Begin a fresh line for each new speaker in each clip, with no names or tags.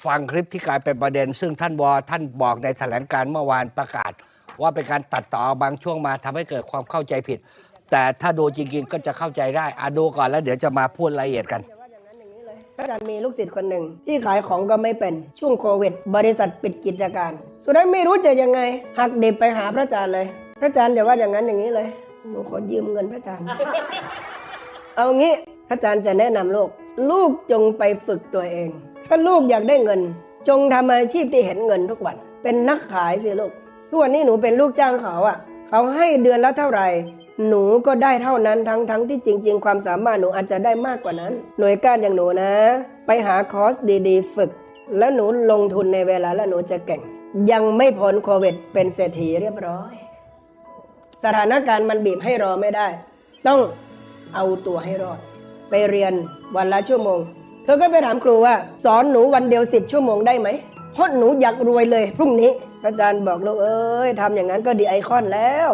ฟังคลิปที่กลายเป็นประเด็นซึ่งท่านบอกในแถลงการเมื่อวานประกาศว่าเป็นการตัดต่อบางช่วงมาทำให้เกิดความเข้าใจผิดแต่ถ้าดูจริงๆก็จะเข้าใจได้ดูก่อนแล้วเดี๋ยวจะมาพูดรายละเอียดกัน
พระอาจารย์มีลูกศิษย์คนหนึ่งที่ขายของก็ไม่เป็นช่วงโควิดบริษัทปิดกิจการสุดท้ายไม่รู้จะยังไงหักดิบไปหาพระอาจารย์เลยพระอาจารย์อย่าว่าอย่างนั้นอย่างนี้เลยหนูขอยืมเงินพระอาจารย์ เอางี้พระอาจารย์จะแนะนำลูกจงไปฝึกตัวเองถ้าลูกอยากได้เงินจงทำอาชีพที่เห็นเงินทุกวันเป็นนักขายสิลูกทุกวันนี้หนูเป็นลูกจ้างเขาเขาให้เดือนละเท่าไหร่หนูก็ได้เท่านั้นทั้งที่จริงๆความสามารถหนูอาจจะได้มากกว่านั้นหน่วยก้านอย่างหนูนะไปหาคอร์สดีๆฝึกแล้วหนูลงทุนในเวลาแล้วหนูจะเก่งยังไม่พ้นโควิดเป็นเศรษฐีเรียบร้อยสถานการณ์มันบีบให้รอไม่ได้ต้องเอาตัวให้รอดไปเรียนวันละชั่วโมงเธอก็ไปถามครูว่าสอนหนูวันเดียว10 ชั่วโมงได้ไหมเพราะหนูอยากรวยเลยพรุ่งนี้อาจารย์บอกลูกเอ้ยทำอย่างนั้นก็ดีไอคอนแล้ว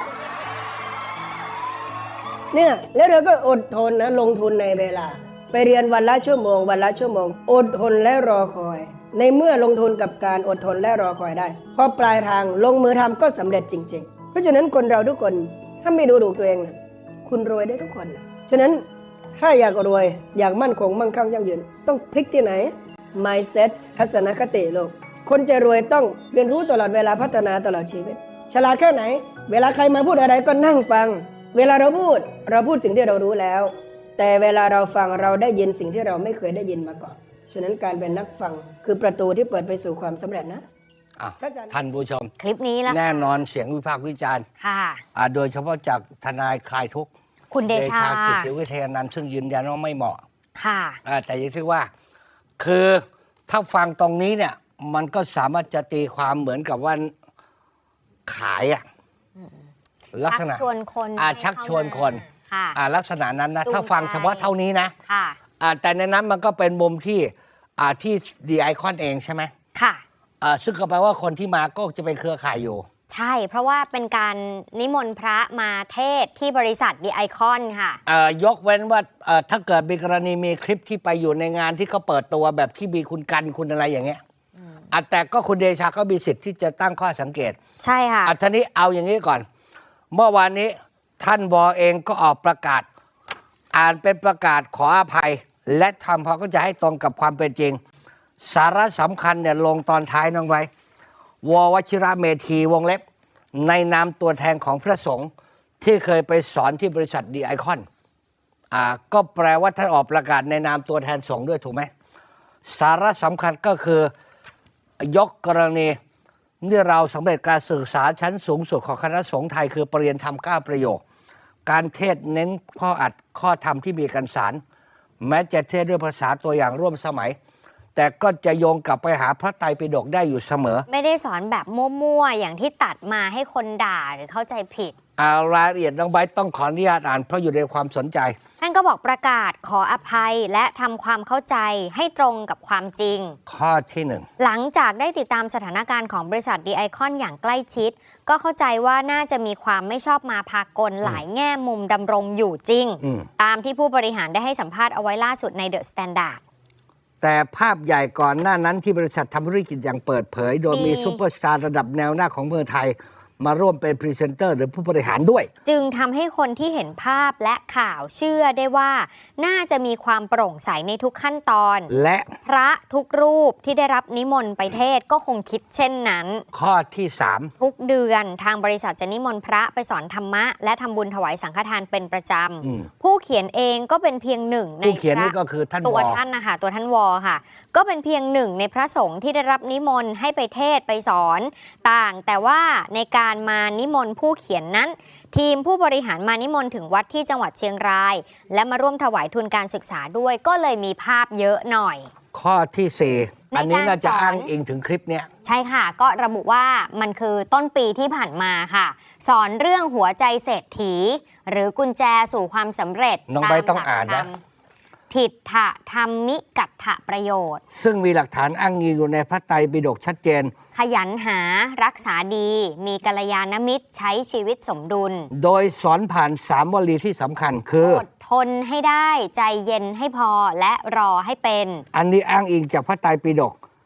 เนี่ยแล้วเธอก็อดทนนะลงทุนในเวลาไปเรียนวันละชั่วโมงอดทนและรอคอยในเมื่อลงทุนกับการอดทนและรอคอยได้พอปลายทางลงมือทำก็สำเร็จจริงๆเพราะฉะนั้นคนเราทุกคนถ้าไม่ดูถูกตัวเองนะคุณรวยได้ทุกคนนะฉะนั้นถ้าอยากรวยอยากมั่นคงมั่งคั่งยั่งยืนต้องพลิกที่ไหน mindset ทัศนคติโลกคนจะรวยต้องเรียนรู้ตลอดเวลาพัฒนาตลอดชีวิตฉลาดแค่ไหนเวลาใครมาพูดอะไรก็นั่งฟังเวลาเราพูดสิ่งที่เรารู้แล้วแต่เวลาเราฟังเราได้ยินสิ่งที่เราไม่เคยได้ยินมาก่อนฉะนั้นการเป็นนักฟังคือประตูที่เปิดไปสู่ความสำเร็จนะ
ท่านผู้ชม
คลิปนี้แล้ว
แน่นอนเสียงวิพากษ์วิจารณ์
ค่ะ
โดยเฉพาะจากทนายคลายทุกข์
คุณเดชา
กิติวิทยานันท์ซึ่งยืนยันว่าไม่เหมาะ
ค่ะ
แต่ยังที่ว่าคือถ้าฟังตรงนี้เนี่ยมันก็สามารถจะตีความเหมือนกับว่าขายลักษณะ
ชักชวนคน
ชักชวนคนลักษณะนั้นนะถ้าฟังเฉพาะเท่านี้นะแต่ในนั้นมันก็เป็นมุมที่ดีไอคอนเองใช่ไหม
ค่ะ
ซึ่งก็แปลว่าคนที่มาก็จะเป็นเครือข่ายอยู่
ใช่เพราะว่าเป็นการนิมนต์พระมาเทศที่บริษัทดีไอคอนค่ะ
ยกเว้นว่าถ้าเกิดมีกรณีมีคลิปที่ไปอยู่ในงานที่เขาเปิดตัวแบบที่มีคุณกันคุณอะไรอย่างเงี้ยแต่ก็คุณเดชาก็มีสิทธิ์ที่จะตั้งข้อสังเกต
ใช่ค่ะ
ทีนี้เอาอย่างนี้ก่อนเมื่อวานนี้ท่านวอเองก็ออกประกาศอ่านเป็นประกาศขออภัยและทำพอก็จะให้ตรงกับความเป็นจริงสาระสำคัญเนี่ยลงตอนท้ายน้องไว้ววชิระเมธีวงเล็บในนามตัวแทนของพระสงฆ์ที่เคยไปสอนที่บริษัทดีไอคอนก็แปลว่าท่านออกประกาศในนามตัวแทนสงฆ์ด้วยถูกไหมสาระสำคัญก็คือยกกรณีที่เราสำเร็จการศึกษาชั้นสูงสุดของคณะสงฆ์ไทยคือปริญญาธรรม9 ประโยคการเทศเน้นข้ออัดข้อธรรมที่มีกันสารแม้จะเทศด้วยภาษาตัวอย่างร่วมสมัยแต่ก็จะโยงกลับไปหาพระไตรปิฎกได้อยู่เสมอ
ไม่ได้สอนแบบมั่วๆอย่างที่ตัดมาให้คนด่าหรือเข้าใจผิด
รายละเอียดน้องไบร์ทต้องขออนุญาตอ่านเพราะอยู่ในความสนใจ
ท่านก็บอกประกาศขออภัยและทำความเข้าใจให้ตรงกับความจริง
ข้อที่
1หลังจากได้ติดตามสถานการณ์ของบริษัทดีไอคอนอย่างใกล้ชิดก็เข้าใจว่าน่าจะมีความไม่ชอบมาพากลหลายแง่มุมดำรงอยู่จริงตามที่ผู้บริหารได้ให้สัมภาษณ์เอาไว้ล่าสุดในเดอะสแตนดาร์ด
แต่ภาพใหญ่ก่อนหน้านั้นที่บริษัททำธุรกิจอย่างเปิดเผยโดยมีซุปเปอร์สตาร์ระดับแนวหน้าของเมืองไทยมาร่วมเป็นพรีเซนเตอร์หรือผู้บริหารด้วย
จึงทำให้คนที่เห็นภาพและข่าวเชื่อได้ว่าน่าจะมีความโปร่งใสในทุกขั้นตอน
และ
พระทุกรูปที่ได้รับนิมนต์ไปเทศก็คงคิดเช่นนั้น
ข้อที่3
ทุกเดือนทางบริษัทจะนิมนต์พระไปสอนธรรมะและทำบุญถวายสังฆทานเป็นประจำผู้เขียนเองก็เป็นเพียงหนึ่งใน
ผู้เขียนนี่ก็คือท่าน
ตัวท่านนะคะตัวท่านวอค่ะก็เป็นเพียงหนึ่งในพระสงฆ์ที่ได้รับนิมนต์ให้ไปเทศไปสอนต่างแต่ว่าในการมานิมนต์ผู้เขียนนั้นทีมผู้บริหารมานิมนต์ถึงวัดที่จังหวัดเชียงรายและมาร่วมถวายทุนการศึกษาด้วยก็เลยมีภาพเยอะหน่อย
ข้อที่4อันนี้น่าจะอ้างอิงถึงคลิปเนี้ย
ใช่ค่ะก็ระบุว่ามันคือต้นปีที่ผ่านมาค่ะสอนเรื่องหัวใจเศรษฐีหรือกุญแจสู่ความสำเร็จ
น้องใบต้องอ่านนะ
ทิฏฐธรรมิกัตถะประโยชน์
ซึ่งมีหลักฐานอ้างอิงอยู่ในพระไตรปิฎกชัดเจน
ขยันหารักษาดีมีกัลยาณมิตรใช้ชีวิตสมดุล
โดยสอนผ่าน3 วลีที่สำคัญคือ
อดทนให้ได้ใจเย็นให้พอและรอให้เป็น
อันนี้อ้างอิงจากพระไตรปิฎก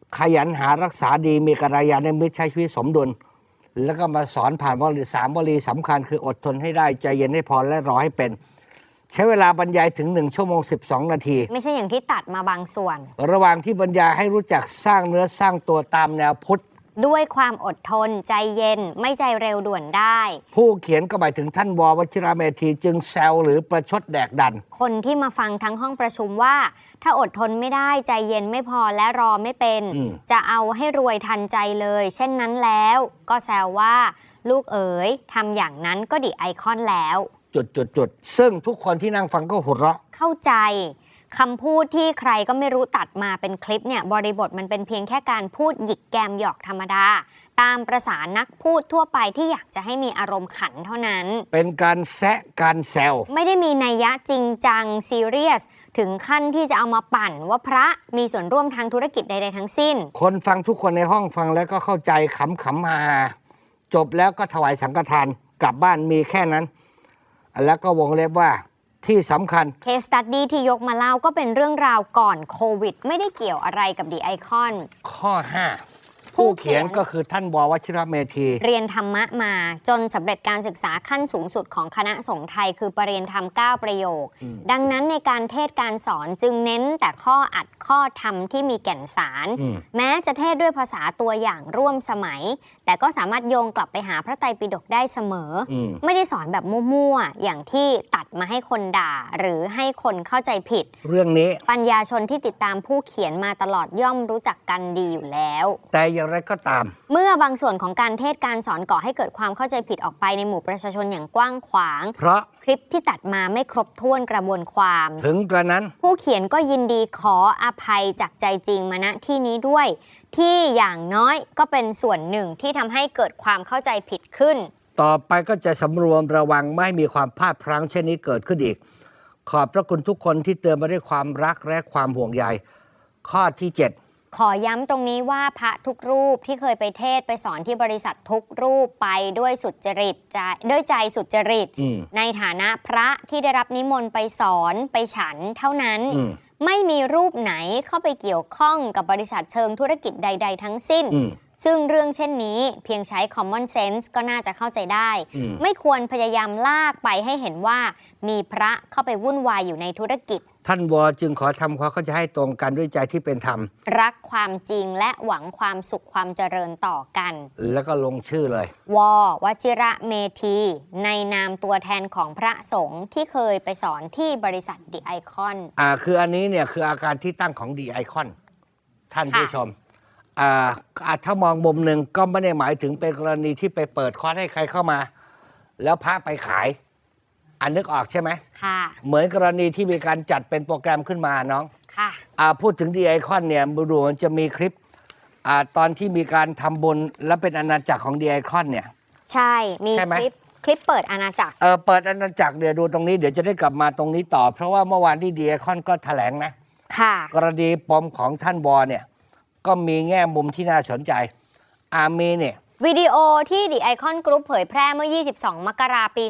ขยันหารักษาดีมีกัลยาณมิตรใช้ชีวิตสมดุลแล้วก็มาสอนผ่านวลี3 วลีสำคัญคืออดทนให้ได้ใจเย็นให้พอและรอให้เป็น ใช้เวลาบรรยายถึง1 ชั่วโมง 12 นาที
ไม่ใช่อย่างที่ตัดมาบางส่วน
ระหว่างที่บรรยายให้รู้จักสร้างเนื้อสร้างตัวตามแนวพุทธ
ด้วยความอดทนใจเย็นไม่ใจเร็วด่วนได้
ผู้เขียนก็หมายถึงท่านววชิระเมธีจึงแซวหรือประชดแดกดัน
คนที่มาฟังทั้งห้องประชุมว่า ถ้าอดทนไม่ได้ใจเย็นไม่พอและรอไม่เป็น จะเอาให้รวยทันใจเลย เช่นนั้นแล้วก็แซวว่า ลูกเอ๋ยทำอย่างนั้นก็ดิไอคอนแล้ว
จุดซึ่งทุกคนที่นั่งฟังก็หัวเราะ
เข้าใจคำพูดที่ใครก็ไม่รู้ตัดมาเป็นคลิปเนี่ยบริบทมันเป็นเพียงแค่การพูดหยิกแกมหยอกธรรมดา ตามประสานักพูดทั่วไปที่อยากจะให้มีอารมณ์ขันเท่านั้น
เป็นการแซะการแซว
ไม่ได้มีนัยยะจริงจังซีเรียสถึงขั้นที่จะเอามาปั่นว่าพระมีส่วนร่วมทางธุรกิจใดๆทั้งสิ้น
คนฟังทุกคนในห้องฟังแล้วก็เข้าใจขำฮาจบแล้วก็ถวายสังฆทานกลับบ้านมีแค่นั้น แล้วก็วงเล็บว่าที่สำคัญ
เคสตัดดี้ที่ยกมาเล่าก็เป็นเรื่องราวก่อนโควิดไม่ได้เกี่ยวอะไรกับดีไอคอน
ข้อ 5 ผู้เขียนก็คือท่านววชิระเมธี
เรียนธรรมะมาจนสำเร็จการศึกษาขั้นสูงสุดของคณะสงฆ์ไทยคือปรริญญาธรรม 9 ประโยค ดังนั้นในการเทศน์การสอนจึงเน้นแต่ข้ออัดข้อธรรมที่มีแก่นสาร แม้จะเทศน์ด้วยภาษาตัวอย่างร่วมสมัย แต่ก็สามารถโยงกลับไปหาพระไตรปิฎกได้เสมอ ไม่ได้สอนแบบมั่วๆอย่างที่ตัดมาให้คนด่า หรือให้คนเข้าใจผิด
เรื่องนี้
ปัญญาชนที่ติดตามผู้เขียนมาตลอดย่อมรู้จักกันดีอยู่แล้ว
แต่อย่างไรก็ตาม
เมื่อบางส่วนของการเทศน์การสอนก่อให้เกิดความเข้าใจผิดออกไปในหมู่ประชาชนอย่างกว้างขวาง
เพราะ
คลิปที่ตัดมาไม่ครบถ้วนกระบวนความ
ถึงกระนั้น
ผู้เขียนก็ยินดีขออภัยจากใจจริงมาณที่นี้ด้วย ที่อย่างน้อยก็เป็นส่วนหนึ่งที่ทำให้เกิดความเข้าใจผิดขึ้น
ต่อไปก็จะสำรวมระวังไม่ให้มีความพลาดพลั้งเช่นนี้เกิดขึ้นอีก ขอบพระคุณทุกคนที่เตือนมาด้วยความรักและความห่วงใยข้อที่ 7
ขอย้ำตรงนี้ว่าพระทุกรูปที่เคยไปเทศน์ไปสอนที่บริษัททุกรูปไปด้วยสุจริตด้วยใจสุจริต ในฐานะพระที่ได้รับนิมนต์ไปสอนไปฉันเท่านั้น ไม่มีรูปไหนเข้าไปเกี่ยวข้องกับบริษัทเชิงธุรกิจใด ๆ ทั้งสิ้น ซึ่งเรื่องเช่นนี้เพียงใช้ common sense ก็น่าจะเข้าใจได้ ไม่ควรพยายามลากไปให้เห็นว่ามีพระเข้าไปวุ่นวายอยู่ในธุรกิจ
ท่านวจึงขอทำความเข้าใจให้ตรงกันด้วยใจที่เป็นธรรม
รักความจริงและหวังความสุขความเจริญต่อกัน
แล้วก็ลงชื่อเลย
ววชิระเมธีในนามตัวแทนของพระสงฆ์ที่เคยไปสอนที่บริษัทดีไอคอน
คืออันนี้เนี่ยคืออาการที่ตั้งของดีไอคอนท่านผู้ชมถ้ามองมุมหนึ่งก็ไม่ได้หมายถึงเป็นกรณีที่ไปเปิดคอร์สให้ใครเข้ามา แล้วพระไปขาย นึกออกใช่ไหม
ค่ะ
เหมือนกรณีที่มีการจัดเป็นโปรแกรมขึ้นมาน้อง
ค่ะ
พูดถึงดีไอคอนเนี่ยดูมันจะมีคลิปตอนที่มีการทำบุญและเป็นอาณาจักรของดีไอคอนเนี่ย
ใช่ มี
ใช่ไหม
คลิปเปิดอาณาจักร
เปิดอาณาจักรเดี๋ยวดูตรงนี้เดี๋ยวจะได้กลับมาตรงนี้ต่อ เพราะว่าเมื่อวานที่ดีไอคอนก็แถลงนะ
ค่ะ
กรณีปมของท่านวอเนี่ยก็มีแง่มุมที่น่าสนใจมีเนี่ย
วิดีโอที่ดีไอคอนกรุ๊ปเผยแพร่เมื่อ 22 มกราคม ปี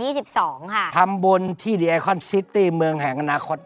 2022 ค่ะ
ทำบุญที่ดีไอคอนซิตี้เมืองแห่งอนาคต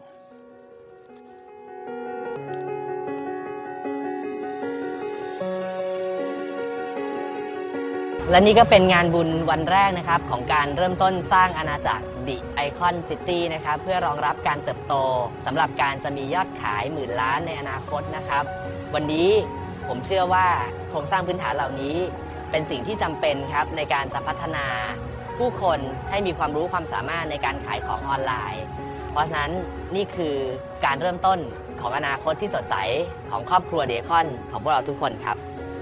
และนี่ก็เป็นงานบุญวันแรกนะครับของการเริ่มต้นสร้างอาณาจักร The Icon City นะครับเพื่อรองรับการเติบโตสำหรับการจะมียอดขายหมื่นล้านในอนาคตนะครับวันนี้ผมเชื่อว่าโครงสร้างพื้นฐานเหล่านี้เป็นสิ่งที่จำเป็นครับในการจะพัฒนาผู้คนให้มีความรู้ความสามารถในการขายของออนไลน์ เพราะฉะนั้นนี่คือการเริ่มต้นของอนาคตที่สดใสของครอบครัว The Icon ของพวกเราทุกคนครับ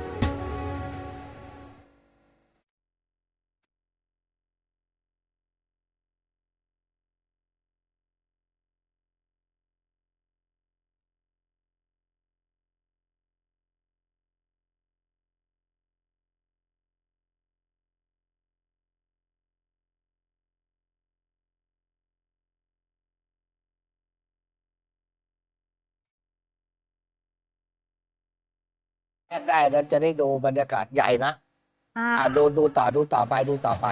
ได้แล้วจะได้ดูบรรยากาศใหญ่นะดูต่อไป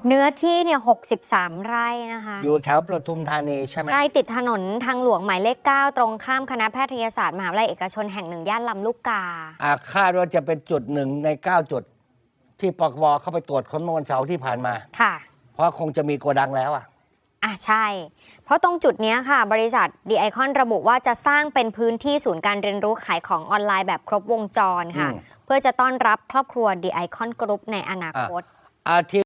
เนื้อที่เนี่ย63 ไร่นะคะ
อยู่แถวปทุมธานีใช่ไหม
ใช่ติดถนนทางหลวงหมายเลข 9 ตรงข้ามคณะแพทยศาสตร์มหาวิทยาลัยเอกชนแห่งหนึ่งย่านลำลูกกา
คาดว่าจะเป็นจุดหนึ่งใน 9 จุด ที่ปคบเข้าไปตรวจค้นเมื่อวันเสาร์ที่ผ่านมา
ค่ะ
เพราะคงจะมีโกดังแล้วอ่ะ
ใช่ เพราะตรงจุดเนี้ยค่ะ บริษัทดีไอคอนระบุว่าจะสร้างเป็นพื้นที่ศูนย์การเรียนรู้ขายของออนไลน์แบบครบวงจรค่ะ
อืม
เพื่อจะต้อนรับครอบครัวดีไอคอนกรุ๊ปในอนาคต
ที